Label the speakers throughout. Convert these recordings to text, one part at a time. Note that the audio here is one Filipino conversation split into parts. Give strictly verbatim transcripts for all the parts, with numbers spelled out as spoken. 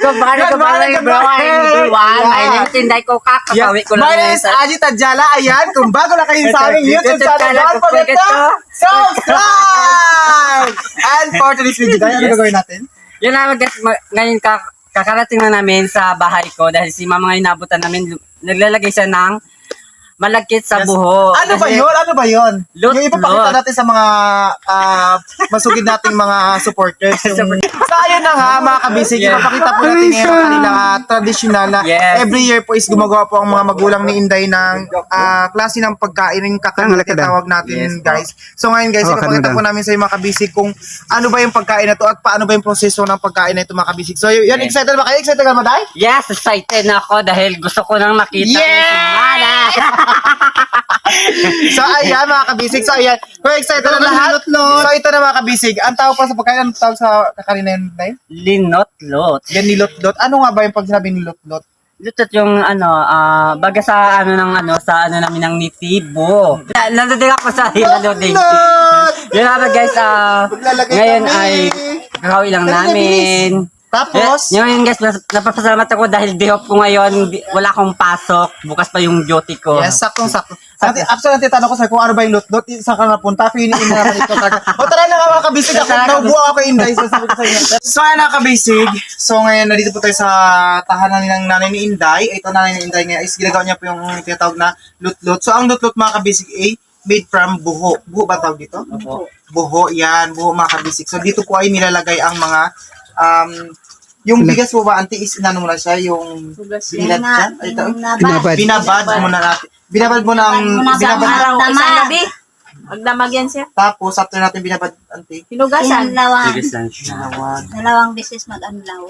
Speaker 1: kumbaga ko pala yung bro. Everyone, my name is Inday Coca. Kapawi ko lang.
Speaker 2: My name is Aji Tadjala. Ayan, kung bago na kayo sa aming YouTube channel, don't forget to subscribe! And for today's video, tayo, ano gagawin natin?
Speaker 1: Yun na, guys, ngayon kakarating na namin sa bahay ko dahil si mama ngayon nabutan namin, naglalagay siya ng malagkit sa buho.
Speaker 2: Ano ba yun? Ano ba yun?
Speaker 1: Lot,
Speaker 2: yung ipapakita
Speaker 1: lot.
Speaker 2: natin sa mga uh, masugid nating mga supporters. Yung... So ayun na nga mga kabisig,
Speaker 1: Yeah.
Speaker 2: ipapakita po natin ngayon ang kanilang uh, traditional na
Speaker 1: Yes.
Speaker 2: every year po is gumagawa po ang mga magulang ni Inday ng uh, klase ng pagkain yung kakain tawag natin
Speaker 1: Yes,
Speaker 2: guys. So ngayon guys,
Speaker 3: Oh,
Speaker 2: ipapakita
Speaker 3: kanina.
Speaker 2: po namin sa mga kabisig kung ano ba yung pagkain na to at paano ba yung proseso ng pagkain na ito mga kabisig. So yun, excited ba kayo? Excited ka ba tayo?
Speaker 1: Yes, excited na ako dahil gusto ko nang makita
Speaker 2: Yeah!
Speaker 1: si Mana.
Speaker 2: So ayan mga kabisig, so ayan, kung excited na lahat, so ito na mga kabisig, ang tawag pa sa pagkain, ang tawag sa kakanin na yun, Day?
Speaker 1: Linot-lot.
Speaker 2: Yan, nilot-lot. Ano nga ba yung pag sinabi nilot-lot?
Speaker 1: Lutot yung ano, ah, baga sa ano ng ano, sa ano namin ng nitibo. Na- Nandun ako sa hinaloding.
Speaker 2: Lot!
Speaker 1: Yun nga ba guys, ah,
Speaker 2: Maglalagay
Speaker 1: ngayon
Speaker 2: kami.
Speaker 1: ay kakawin lang
Speaker 2: Dali,
Speaker 1: namin.
Speaker 2: Tapos,
Speaker 1: Eh, ngayon guys, nas- napapasalamat ako dahil day off ko ngayon, di- wala akong pasok, bukas pa yung duty ko.
Speaker 2: yes, saktong-sakto. Ate, actually, tanong ko sa'yo kung ano ba yung lot-lot, saan ka napunta, piniin na naman ito. O tara na nga mga kabisig, ako naubuha ako kay Inday, so sabi ko sa inyo. So ayan mga kabisig, so ngayon nandito po tayo sa tahanan ng nanay ni Inday. Ito nanay ni Inday ngayon is ginagawa niya po yung tinatawag na lot-lot. So ang lot-lot mga kabisig ay made from buho. Buho ba tawag dito?
Speaker 1: Opo.
Speaker 2: Buho, yan, buho mga kabisig. So dito po ay nilalagay ang mga um, yung bigas po ba, auntie, is inano mo na siya, yung binad siya? Ay, ito,
Speaker 3: Binabad.
Speaker 2: binabad mo na natin. Binabad mo ng, binabad,
Speaker 4: Araw, isang gabi. Magdamag yan siya.
Speaker 2: tapos after natin binabad, auntie,
Speaker 4: Hinugasan.
Speaker 5: Dalawang,
Speaker 1: Bigas lang siya.
Speaker 2: ginawan,
Speaker 5: dalawang beses mag-anlaw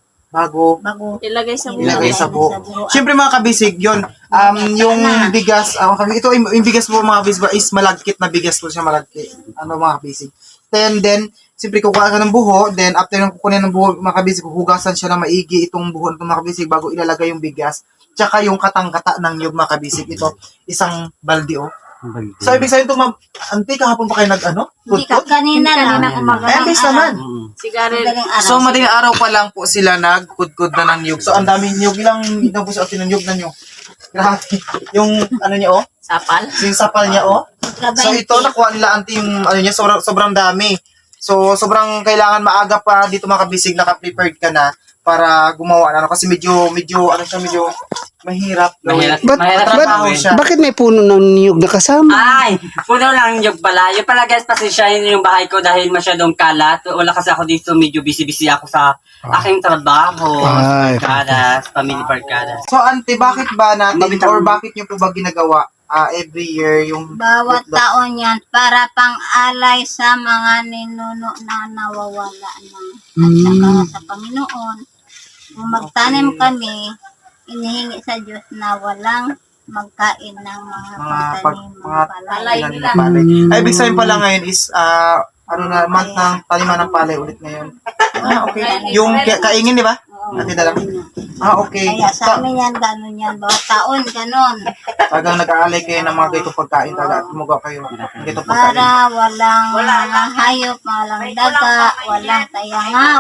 Speaker 2: bago,
Speaker 5: bago
Speaker 4: Ilagay sa buhay.
Speaker 2: ilagay sa buho.
Speaker 5: Sa buho.
Speaker 2: Siyempre mga kabisig, yun, um, yung bigas, uh, ito, yung yung bigas po mga kabisig is malagkit na bigas po siya, malagkit. Ano mga kabisig. Then, then, siyempre kukuha ka ng buho, then after ng kukunin ng buho, mga kabisig, hugasan siya na maigi itong buho ng mga kabisig bago ilalagay yung bigas. Tsaka yung katang-kata ng nyug mga kabisig, ito, isang balde oh. So, ibig sabihin ito, ma'am, auntie, kahapon pa kayo nag-ano?
Speaker 5: Hindi ka,
Speaker 2: Pudpud?
Speaker 5: kanina lang.
Speaker 4: Kanina umaga.
Speaker 2: Eh, ang bilis naman.
Speaker 1: Mm.
Speaker 4: Sigarilyo.
Speaker 5: Madaling araw.
Speaker 2: So, madaling araw pa lang po sila nagkudkod na ng nyug. So, ang daming nyug. Ilang inabos ako ng nyug na nyug. Grabe. Yung, ano niya, oh?
Speaker 4: Sapal.
Speaker 2: Yung sapal niya, oh. So, ito, nakuha nila, auntie, yung, ano niya, sobrang, sobrang dami. So, sobrang kailangan maaga pa dito mga kabisig, naka-prepared ka na para gumawa na. Ano, kasi medyo, medyo, ano siya, medyo mahirap.
Speaker 1: Mahirap,
Speaker 3: Ba't-
Speaker 1: mahirap
Speaker 3: ba't-
Speaker 1: gawin.
Speaker 2: siya.
Speaker 3: Bakit may puno ng niyog na kasama?
Speaker 1: Ay, puno lang yung pala. Yung pala guys, pasensyahin yung bahay ko dahil masyadong kalat. Wala kasi ako dito, medyo busy-busy ako sa aking trabaho.
Speaker 3: Ay.
Speaker 1: Barkadas, family barkadas.
Speaker 2: So, auntie, bakit ba natin,
Speaker 1: Mabitang-
Speaker 2: or bakit niyo po ba ginagawa ah, every year yung
Speaker 5: Bawat
Speaker 2: lot-lot?
Speaker 5: taon yan para pang-alay sa mga ninuno na nawawala na. At saka sa Panginoon, kung magtanim kami, inihingi sa Diyos na walang magkain ng mga
Speaker 2: mga pag,
Speaker 5: pagtanim
Speaker 2: mga
Speaker 5: ng palay.
Speaker 4: palay
Speaker 2: ilan
Speaker 4: nila.
Speaker 2: ng palay. Ay, ibig sabihin pala ngayon is, ah, ano na, month ng taniman ng palay ulit ngayon. Ah, okay. Yung ka- kaingin, di ba?
Speaker 5: Oo.
Speaker 2: Ate na lang. Ah, okay.
Speaker 5: Kaya sa
Speaker 2: Ta-
Speaker 5: amin yan, gano'n yan. Bawat taon, gano'n.
Speaker 2: Talagang nag-aalay kayo ng mga ganitong pagkain talaga at tumugaw kayo ng ganitong pagkain.
Speaker 5: Para walang mga hayop, walang daga, walang tayangaw.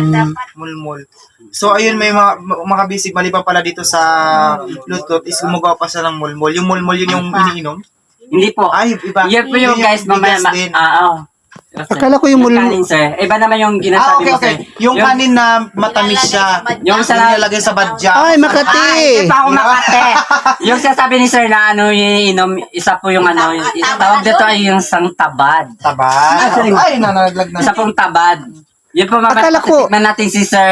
Speaker 2: Mulmul. So, ayun, may mga, mga bisig, maliban pala dito sa lutot, is gumagawa pa siya ng mulmul. Yung mulmul, yun yung iniinom?
Speaker 1: Hindi po.
Speaker 2: Ay, iba.
Speaker 1: Yan po yung guys, mamaya.
Speaker 2: bigas
Speaker 1: Ma-
Speaker 2: din.
Speaker 1: ah, oh.
Speaker 3: Akala ko yung mul-
Speaker 1: kanin, sir. Iba naman yung
Speaker 2: Ah,
Speaker 1: ginasabi
Speaker 2: okay,
Speaker 1: mo,
Speaker 2: okay.
Speaker 1: sir.
Speaker 2: Yung kanin na matamis siya.
Speaker 1: Yung
Speaker 2: Yung
Speaker 1: sa
Speaker 2: nilalagay sa badya.
Speaker 3: Ay, Makati!
Speaker 1: Hindi pa ako makate. Yung sasabi ni sir na ano yung inom, isa po yung ano, yung, tawag dito ay yung sang tabad.
Speaker 2: Tabad.
Speaker 1: Ah, sorry.
Speaker 2: Ay, nanalaglag na.
Speaker 1: Isa pong tabad. Yun po
Speaker 3: Akala ko-
Speaker 1: mapatitikman natin si sir,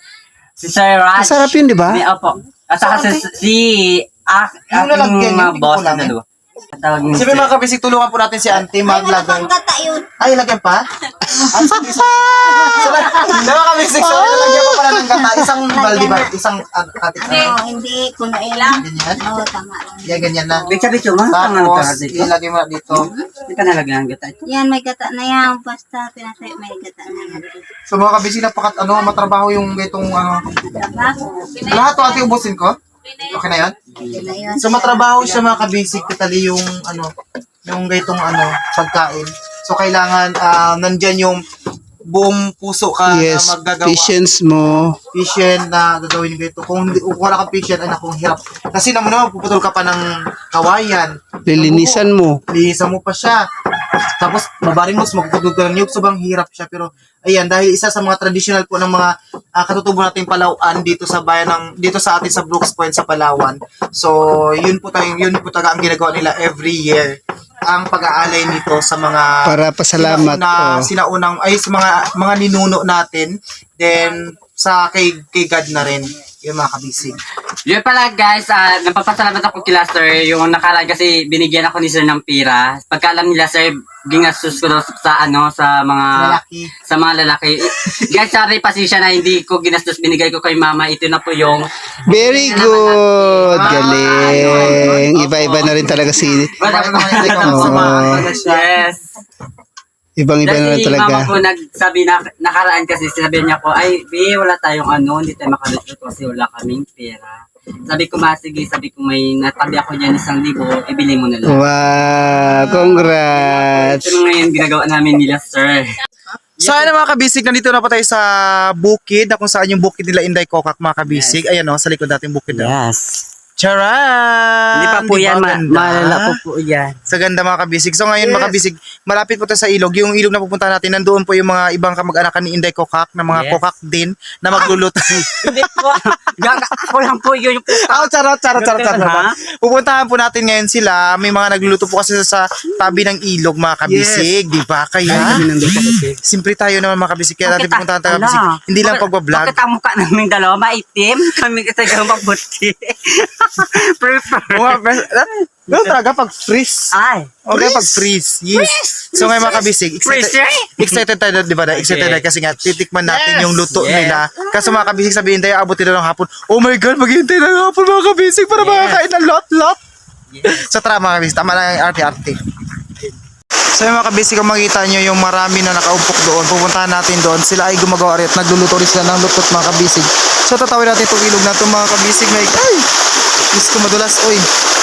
Speaker 1: si sir Raj.
Speaker 3: Masarap yun, di ba?
Speaker 1: Ni, opo. At saka si, si ah,
Speaker 2: Yung
Speaker 1: aking
Speaker 2: lalagyan,
Speaker 1: mga
Speaker 2: yung
Speaker 1: boss
Speaker 2: kulang,
Speaker 1: na
Speaker 2: eh.
Speaker 1: dalawa. Tawag ni
Speaker 2: Sabi
Speaker 1: sir.
Speaker 2: mga kabisig, tulungan po natin si auntie
Speaker 5: Ay, wala
Speaker 2: maglagay.
Speaker 5: pang gata yun.
Speaker 2: Ay, lagyan pa? Ah, sige, sige. So, diba kabisig, so, lalagyan pa pala ng gata. Isang baldi ba? Isang uh, katik
Speaker 5: Oo,
Speaker 2: na.
Speaker 5: hindi, kunoy lang.
Speaker 2: Ganyan.
Speaker 5: Oo, tama lang.
Speaker 2: Yan, ganyan na.
Speaker 1: Bitsa-bitsa mo, ang ano
Speaker 2: Tapos,
Speaker 1: ka dito.
Speaker 2: ilagay mo na dito.
Speaker 1: Hindi ka nalagyan ng gata ito.
Speaker 5: Yan, may gata na yan. Basta, pinasay, may gata na yan.
Speaker 2: So, mga kabisig, napakat, ano, matrabaho yung itong, ano,
Speaker 5: Trabaho.
Speaker 2: lahat to ate ubusin ko? Okay na yan?
Speaker 5: Yun na yun.
Speaker 2: So, matrabaho siya mga kabisig, katali yung, ano, yung gaitong, ano, pagkain. So, kailangan, ah, nandyan yung buong puso ka
Speaker 3: Yes,
Speaker 2: na maggagawa.
Speaker 3: patience mo.
Speaker 2: Patient na gagawin ko ito. Kung, hindi- kung wala kang patient, ay nakong hirap. Kasi naman naman, puputol ka pa ng kawayan.
Speaker 3: Lilinisan mo.
Speaker 2: Linisan mo pa siya. Tapos, babaring mo, magpuputol ka ng niyog. Sobrang hirap siya. Pero, ayan, dahil isa sa mga traditional po ng mga uh, katutubo nating Palauan dito sa bayan ng, dito sa atin sa Brooks Point sa Palawan. So, yun po tayo, yun po talaga ang ginagawa nila every year. Ang pag-aalay nito sa mga
Speaker 3: Para pasalamat.
Speaker 2: sinauna,
Speaker 3: Oh.
Speaker 2: sinaunang ay sa mga mga ninuno natin, then sa kay kay God na rin yung mga kabisig.
Speaker 1: Yun pala guys, uh, napapasalamat ako kila sir. Yung nakaraan kasi binigyan ako ni sir ng pira. Pagka alam nila sir, ginastos ko daw sa ano, sa mga
Speaker 2: Lalaki.
Speaker 1: sa mga lalaki. Guys, sorry pasensya na hindi ko ginastos, binigay ko kay mama. Ito na po yung
Speaker 3: Very good. Galing. Iba-iba na rin talaga si...
Speaker 1: yes.
Speaker 3: Ibang-iba na rin
Speaker 1: Kasi
Speaker 3: talaga.
Speaker 1: mama po nagsabi na nakaraan kasi sinabi niya ko, ay, be, wala tayong ano, hindi tayo makaluto kasi wala kaming pera. Sabi ko, ma, sige, sabi ko may natabi ako dyan isang libo, ibili mo na lang.
Speaker 3: Wow. Congrats.
Speaker 1: Ito na ngayon ginagawa namin nila, sir.
Speaker 2: So ayun mga kabisig, nandito na po tayo sa bukid, na kung saan yung bukid nila Inday Kokak mga kabisig. Ayan o, sa likod natin bukid. na.
Speaker 1: Yes.
Speaker 2: Charan!
Speaker 1: Hindi pa po
Speaker 2: Di ba
Speaker 1: yan, ma-
Speaker 2: ganda?
Speaker 1: malala po po yan.
Speaker 2: Sa ganda mga kabisig. So ngayon mga kabisig, malapit po tayo sa ilog. Yung ilog na pupunta natin, nandoon po yung mga ibang kamag-anakan ni Inday Kokak, na mga
Speaker 1: Yes.
Speaker 2: kokak din, na magluluto.
Speaker 1: Hindi po, gaga ako lang po yun yung puta.
Speaker 2: Oh, charot, charot, charot, charot.
Speaker 1: Ha?
Speaker 2: Pupuntahan po natin ngayon sila. May mga nagluluto po kasi sa tabi ng ilog mga kabisig. Di ba? Kaya, simpre tayo naman mga kabisig. Kaya natin pupuntahan tayo kabisig. Hindi lang pagbablog.
Speaker 1: Bakit ang mukha namin dalawa maitim? Kami kasi gawang mabuti. Prefer.
Speaker 2: Mga best, no, talaga pag freeze.
Speaker 1: Ay.
Speaker 2: Okay, pag freeze. Yes. So ngayon mga kabisig, excited,
Speaker 1: Freeze?
Speaker 2: excited tayo, di ba? Excited tayo kasi nga titikman natin yung luto
Speaker 1: Yes.
Speaker 2: nila. Kasi mga kabisig, sabihin tayo, abutin na ng hapon. Oh my God, maghihintay na ng hapon mga kabisig para
Speaker 1: Yes.
Speaker 2: makakain ng lot-lot.
Speaker 1: Yes.
Speaker 2: So tara mga kabisig, tama lang yung arte-arte. So yung mga kabisig, kung makita nyo yung marami na nakaumpok doon, pupuntahan natin doon. Sila ay gumagawa rin at nagluluto rin sila ng lutot mga kabisig. So tatawin natin itong ilog na itong mga kabisig. May, ay! Diyos ko madulas, oy.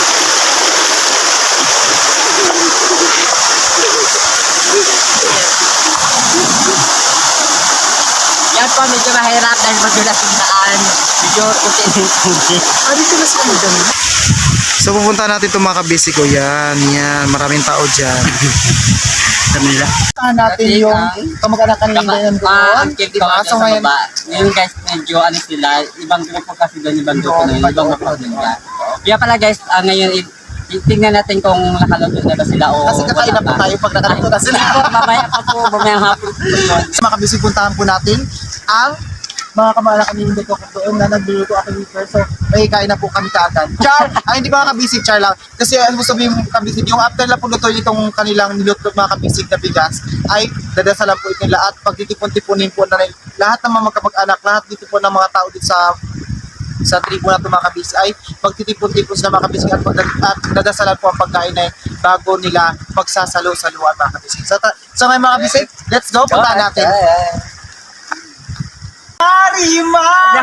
Speaker 1: Yan po, medyo mahirap dahil madulas yung daan. Medyo puti yung tubig.
Speaker 2: Ah, dito na sila dyan. So pupunta natin itong mga kabisig ko. Yan, yan. Maraming tao dyan.
Speaker 1: Kanila.
Speaker 2: Pupuntahan natin yung kamag-anakan nila yan
Speaker 1: Ah,
Speaker 2: doon.
Speaker 1: ang cute
Speaker 2: Diba?
Speaker 1: ko
Speaker 2: So
Speaker 1: sa
Speaker 2: ngayon,
Speaker 1: baba. Ngayon guys, medyo ano sila, ibang grupo kasi doon, ibang grupo na yun, ibang grupo nila. Kaya pala guys, ah, ngayon, i- i- tingnan natin kung nakaluto na ba sila o
Speaker 2: kasi kakain na po tayo pag nakarato na sila.
Speaker 1: Hindi po, mamaya pa po, mamaya hapon po yun.
Speaker 2: Mga kabisig, puntahan po natin ang mga kamag-anakan ni Inday Kokak doon na nagluluto ako dito. So, may kain na po kami kaagad. Char! Ay, hindi mga kabisig, char lang. Kasi ano mo sabihin mo kabisig, yung after na po luto itong kanilang niluto mga kabisig na bigas, ay dadasalan po ito nila at pagtitipon-tipunin po na rin lahat ng mga magkamag-anak, lahat dito po ng mga tao dito sa sa tribo na ito mga kabisig ay magtitipon-tipon sila mga kabisig at, at dadasalan po ang pagkain na yun bago nila magsasalo-saluan mga kabisig. So, ta- so ngayon mga kabisig, let's go, puntahan natin. Marima!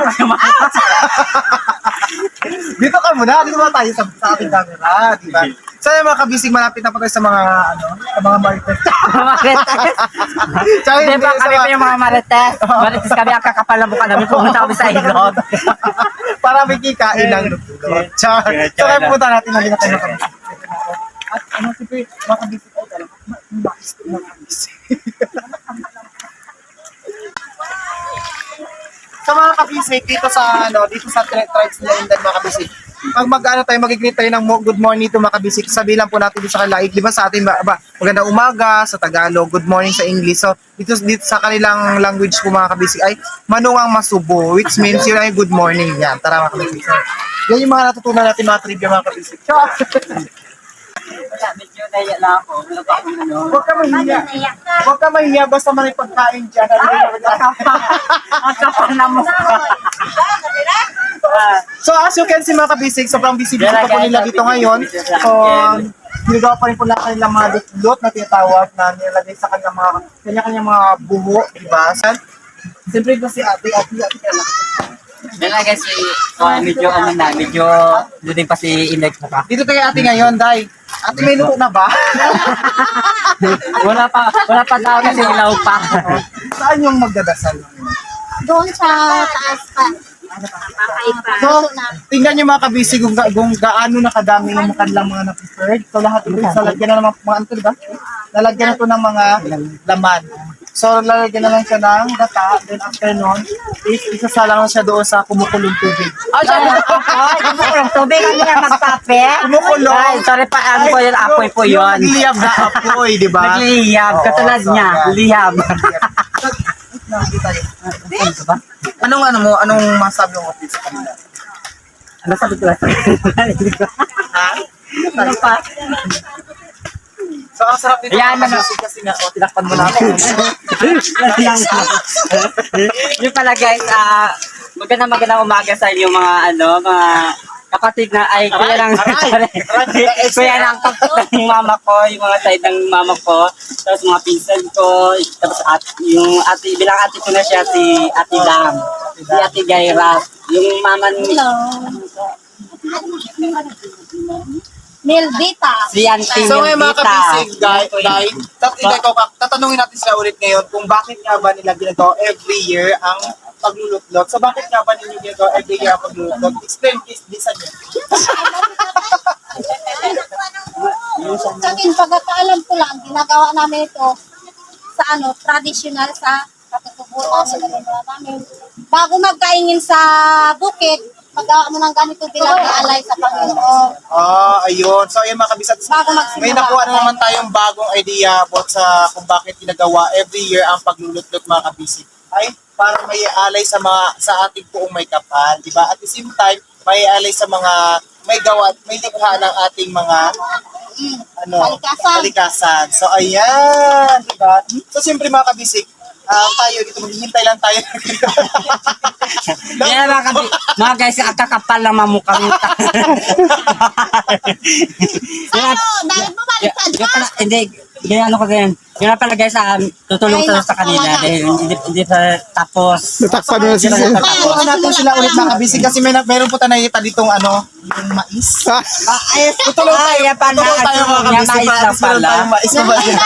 Speaker 2: Dito ka muna, dito muna tayo sa, sa ating camera, di ba? So yung mga kabisig, malapit na po tayo sa mga, ano, sa mga marites.
Speaker 1: Marites.
Speaker 2: Tsaka
Speaker 1: Di
Speaker 2: hindi,
Speaker 1: ba
Speaker 2: sa
Speaker 1: kami
Speaker 2: mga-
Speaker 1: pa yung mga marites? Marites kami ang kakapal na mukha namin, pumunta kami sa ilog.
Speaker 2: para may kikain ng lutulot. Char. So kaya pupunta natin na nila tayo ng kabisig. At ano, siyempre, mga kabisig, ay talaga, mais ko mga kabisig. Sa mga kabisig, dito sa, ano, dito sa tri- tribes nila Indan mga kabisig, pag mag-ano tayo, mag-greet tayo ng mo- good morning to mga kabisig, sabihin lang po natin dito sa kalaig, di ba sa atin, ba, ba, magandang umaga sa Tagalog, good morning sa English. So, dito, dito sa kanilang language po mga kabisig ay manungang masubo, which means yun ay good morning yan. Tara mga kabisig. So, yan yung mga natutunan natin mga trivia mga kabisig. Char!
Speaker 1: Wala, medyo naya lang ako. Wala pa akong ano.
Speaker 2: Huwag ka mahiya. Huwag ka mahiya, basta may pagkain dyan.
Speaker 1: Ang kapal na mukha.
Speaker 2: So as you can see mga kabisig, sobrang busy busy pa po nila dito ngayon. So, ginagawa pa rin po na kanilang mga ditlot na tinatawag na nilagay sa kanilang mga kanya-kanyang mga buho, di ba? Siyempre ko si ate, ate, ate, ate,
Speaker 1: Yan lang guys, uh, medyo ano na, medyo duting pa si Inday ko pa.
Speaker 2: Dito tayo ate ngayon, Day. Ate, may luto na ba?
Speaker 1: Wala pa, wala pa daw kasi ilaw pa.
Speaker 2: Saan yung magdadasal?
Speaker 5: Doon sa taas pa.
Speaker 2: So, tingnan nyo mga kabisi kung, ga- kung gaano na kadami yung kanilang mga na-prepared. So, lahat ito, lalagyan na ng mga, mga ano to, diba? Lalagyan na to ng mga laman. So, lalagyan na lang siya ng gata. Then, after nun, is, isasalang na siya doon sa kumukulong tubig.
Speaker 1: Oh, siya na apoy. Kumukulong tubig. Ano yan, magpape?
Speaker 2: Kumukulong.
Speaker 1: Ay, sorry pa, ano po yun, apoy po
Speaker 2: Yung
Speaker 1: yun.
Speaker 2: nagliyab na apoy, di ba?
Speaker 1: Naglihiyab,
Speaker 2: Oo,
Speaker 1: katulad
Speaker 2: so,
Speaker 1: niya,
Speaker 2: yan.
Speaker 1: lihab.
Speaker 2: Nakikita yun. Anong ano mo? Anong masabi mo sa kanila?
Speaker 1: Ano sabi ko lang?
Speaker 2: Ha?
Speaker 1: Ano pa?
Speaker 2: So, ang sarap dito
Speaker 1: Yan,
Speaker 2: mga
Speaker 1: ano?
Speaker 2: kabisi kasi nga, o, tinakpan mo na ako.
Speaker 1: Yung pala guys, ah, magandang magandang umaga sa inyo mga ano, mga kapatid na ay kuya ng kuya ng ng mama ko, yung mga side ng mama ko, tapos mga pinsan ko, tapos at, yung ate, bilang ate ko na siya si Ate Lam, si Ate Gaira, yung mama ni
Speaker 5: Nildita.
Speaker 1: si Auntie
Speaker 2: So ngayon mga
Speaker 1: Nildita.
Speaker 2: kabisig, guys, guys, tatanungin ko, tatanungin natin sila ulit ngayon kung bakit nga ba nila ginagawa every year ang paglulutlot. So bakit nga ba ninyo ginagawa every year ang paglulutlot? Explain please, Lisa niyo.
Speaker 5: Sa akin, pagkakaalam ko lang, ginagawa namin ito sa ano, traditional sa katutubo namin. namin. Bago magkaingin sa bukid, magawa mo ng ganito bilang alay sa Panginoon.
Speaker 2: Ah, ayun. So ayun mga kabisat,
Speaker 5: Bago magsimula.
Speaker 2: may nakuha na naman tayong bagong idea about sa kung bakit ginagawa every year ang paglulutlot mga kabisig. Ay, para may alay sa mga sa ating buong may kapal, di ba? At the same time, may alay sa mga may gawa, may likha ng ating mga ano,
Speaker 5: Kalikasan.
Speaker 2: kalikasan. So ayan, di ba? So siyempre mga kabisig, ah, tayo dito maghihintay lang tayo.
Speaker 1: Yan mga kabi, mga guys, ang kakapal ng mamukha nito.
Speaker 5: Ano, dahil bumaliktad
Speaker 1: Yung
Speaker 5: ka.
Speaker 1: pala, hindi, ganyan ano ko ganyan. Yun na pala guys, um, tutulong
Speaker 5: Ay,
Speaker 1: sa sa kanila
Speaker 5: naku,
Speaker 1: dahil hindi, hindi pa tapos.
Speaker 3: Natakpan mo na si Sir.
Speaker 2: Tapuan natin sila ulit mga kabisig kasi may, meron po tayo nakikita ditong ano, yung mais.
Speaker 3: Ah,
Speaker 1: Ay, tutulong tayo. Yan pala.
Speaker 2: Tutulong tayo mga
Speaker 1: Yan,
Speaker 2: kabisig.
Speaker 1: mais
Speaker 2: Para
Speaker 1: lang
Speaker 2: at least meron
Speaker 1: pala.
Speaker 2: tayong mais. Ano ba yan?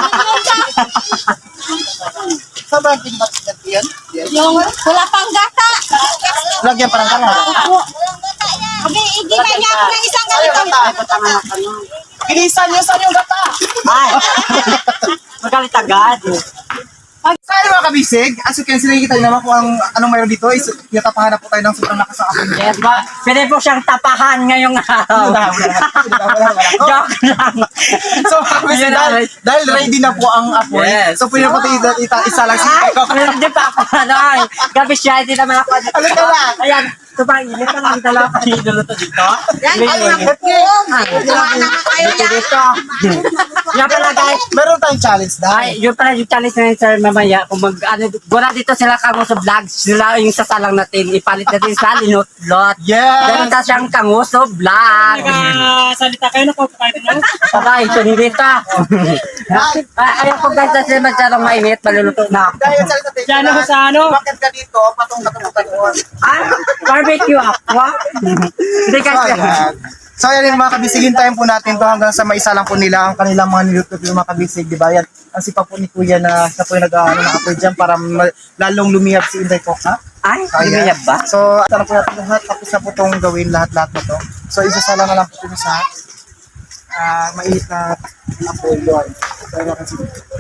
Speaker 2: Sobrang pinbat yan.
Speaker 5: Yung wala pang gata.
Speaker 2: Lagyan parang kala.
Speaker 5: Abi, igilay niya ako ng isang ganito.
Speaker 2: Bilisan niyo saan yung gata.
Speaker 1: Ay, magalit agad.
Speaker 2: Sa akin mga kabisig, as you can see, nakikita niyo naman kung ang, anong mayroon dito is tinatapahan na po tayo ng sobrang lakas ng apoy.
Speaker 1: Yes, ba? Pwede po siyang tapahan ngayong araw.
Speaker 2: Wala, wala, wala, wala, wala.
Speaker 1: Joke lang.
Speaker 2: So mga kabisig,
Speaker 1: Yun na,
Speaker 2: dahil, dahil ready na po ang apoy,
Speaker 1: Yes.
Speaker 2: so pwede po tayo ita, ita, isa lang
Speaker 1: Ay,
Speaker 2: sa
Speaker 1: hindi pa ako ano. Gabi siya, hindi naman ako.
Speaker 2: Ano ka lang?
Speaker 1: Ayan, sobrang init na lang dalawa pa niluluto dito.
Speaker 5: Yan,
Speaker 1: May
Speaker 5: ay,
Speaker 1: init.
Speaker 5: Ay, gawa na nga kayo
Speaker 1: Dito,
Speaker 5: yan.
Speaker 1: dito. Yan pala guys.
Speaker 2: Meron tayong challenge
Speaker 1: Ay,
Speaker 2: dahil.
Speaker 1: yun pala yung challenge na yun, sir, mamaya. Kung mag, ano, gura dito sila kango sa vlog, sila yung sasalang natin, ipalit natin sa linutlot.
Speaker 2: Yes!
Speaker 1: Ganun ta siyang kango sa vlog.
Speaker 6: Salita kayo na po kahit ano.
Speaker 1: Sabay, so hindi ta. Ay, ayaw ko guys, kasi masyadong mainit, maluluto na ako.
Speaker 2: Dahil yung challenge natin,
Speaker 6: Diyan ako sa ano?
Speaker 2: bakit ka dito, patong katubutan doon.
Speaker 1: Ay, barbecue ako. Hindi
Speaker 2: So,
Speaker 1: kasi.
Speaker 2: ayan. So, ayan yung mga kabisigin time po natin to hanggang sa maisa lang po nila ang kanilang mga niluto yung mga kabisig, di ba? Yan, ang sipa po ni Kuya na siya po yung nag-ano ng apoy dyan para ma- lalong lumiyap si Inday Coca.
Speaker 1: Ay,
Speaker 2: Ayan.
Speaker 1: lumiyab ba?
Speaker 2: So, ito na po natin lahat. Tapos na po itong gawin lahat-lahat na to. So, isasala na lang po ito sa uh, mainit na apoy doon. So, ayan kasi.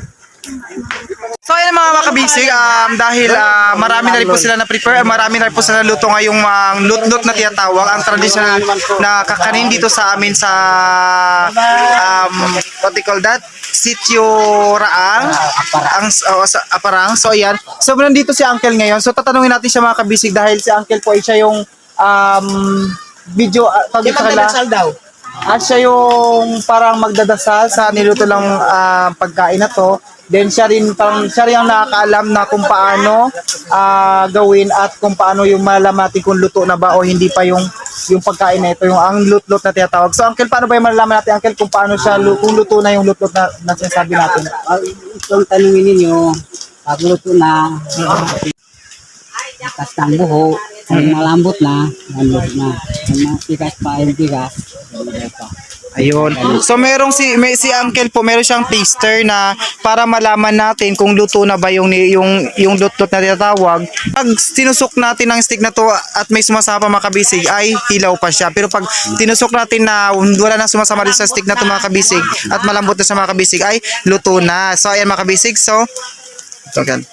Speaker 2: So ayun mga makabisig, um, dahil ah, marami na rin po sila na-prepare, marami na rin po sila luto ngayong mga lut-lut na tinatawag, ang traditional na kakanin dito sa amin sa, um, what they call that? Sitio Raang, ang, oh, sa Aparang. So ayan, so nandito si Uncle ngayon, so tatanungin natin siya mga kabisig dahil si Uncle po ay siya yung um, video, uh, tawag sa kanila. At siya yung parang magdadasal sa niluto lang ah, pagkain na to. Then siya rin parang siya rin ang nakakaalam na kung paano ah, gawin at kung paano yung malaman natin kung luto na ba o hindi pa yung yung pagkain na ito, yung ang lut-lut na tinatawag. So Uncle, paano ba yung malalaman natin Uncle kung paano siya lu- kung luto na yung lut-lut na, na sinasabi natin?
Speaker 1: Kung tanungin ninyo, pag luto na, ikas ng buho, Pag malambot na, malambot na. Pag matigas pa, yung bigas, malambot pa.
Speaker 2: Ayun. So merong si may si Uncle po, meron siyang taster na para malaman natin kung luto na ba yung ni- yung yung lutot na tinatawag. Pag tinusok natin ang stick na to at may sumasama mga kabisig ay hilaw pa siya. Pero pag tinusok natin na wala nang sumasama din sa stick na to mga kabisig at malambot na sa mga kabisig ay luto na. So ayan mga kabisig. So ito gan.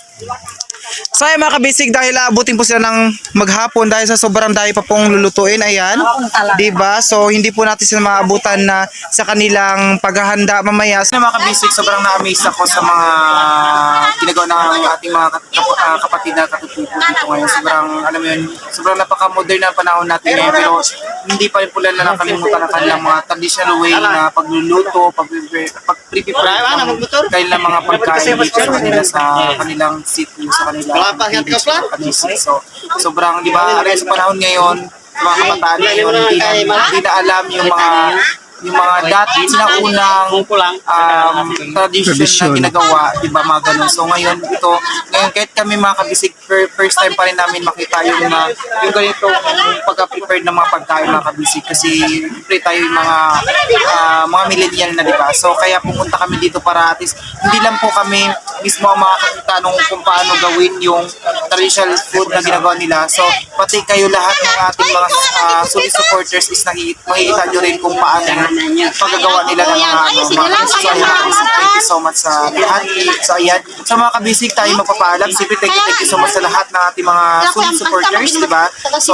Speaker 2: So ayan mga kabisig, dahil aabutin po sila ng maghapon dahil sa sobrang dahil pa pong lulutuin, ayan, diba? So hindi po natin sila maabutan na sa kanilang paghahanda mamaya. So mga kabisig, sobrang na-amaze ako sa mga ginagawa ng ating mga kat- kap- ah, kapatid na katutubo dito ngayon. Sobrang, alam mo yun, sobrang napaka-modern na panahon natin ngayon, pero hindi pa rin po nila nakalimutan ang kanilang mga traditional way na pagluluto, pag-prepare, pag-prepare ng kanilang mga pagkain dito sa kanila, sa kanilang sitio, sa kanilang village, sa kanila. So, sobrang, di ba, aray sa panahon ngayon, sa mga kabataan ngayon, hindi na, hindi na alam yung mga yung mga dati sinaunang um, tradition na ginagawa, di ba, mga ganun. So ngayon, ito, ngayon kahit kami mga kabisig, fir- first time pa rin namin makita yung mga, yung ganito, yung pagka-prepared ng mga pagkain mga kabisig, kasi pre tayo yung mga ah, mga millennial na, di ba. So kaya pumunta kami dito para at least, hindi lang po kami mismo ang makakita nung kung paano gawin yung traditional food na ginagawa nila. So pati kayo lahat ng ating mga uh, solid supporters is nakikita, makikita nyo rin kung paano paggagawa nila ng mga ano, mga kabisig. So ayan, mga kabisig, thank you so much sa lahat. So ayan, sa mga kabisig tayo magpapaalam. Siyempre, thank you, thank you so much sa lahat ng ating mga solid supporters, di ba? So,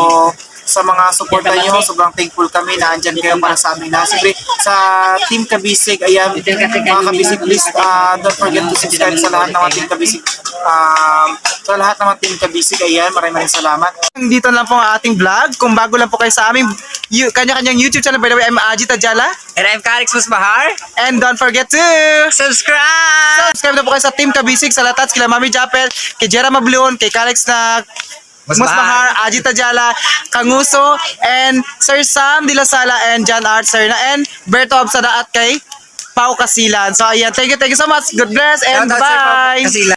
Speaker 2: sa mga suporta nyo, sobrang thankful kami na andyan kayo para sa amin. Na siyempre, sa Team Kabisig, ayan, mga Kabisig, please uh, don't forget to subscribe sa lahat ng mga Team Kabisig. Um, sa lahat ng mga Team Kabisig, ayan, maraming maraming salamat. Dito lang po ang ating vlog. Kung bago lang po kayo sa aming you, kanya-kanyang YouTube channel, by the way, I'm Ajit Ajala.
Speaker 1: And I'm Calix Musbahar.
Speaker 2: And don't forget to
Speaker 1: Subscribe!
Speaker 2: subscribe na po kayo sa Team Kabisig, sa Latats, kila Mami Japel, kay Jera Mablon, kay Calix na Musbahar, Ajit Ajala, Kanguso, and Sir Sam De La Sala, and John Art Sir na, and Berto Absada at kay Pau Kasilan. So ayan, thank you, thank you so much. God bless and
Speaker 1: Shoutout, Sir Pao
Speaker 2: bye!
Speaker 1: Kasilan.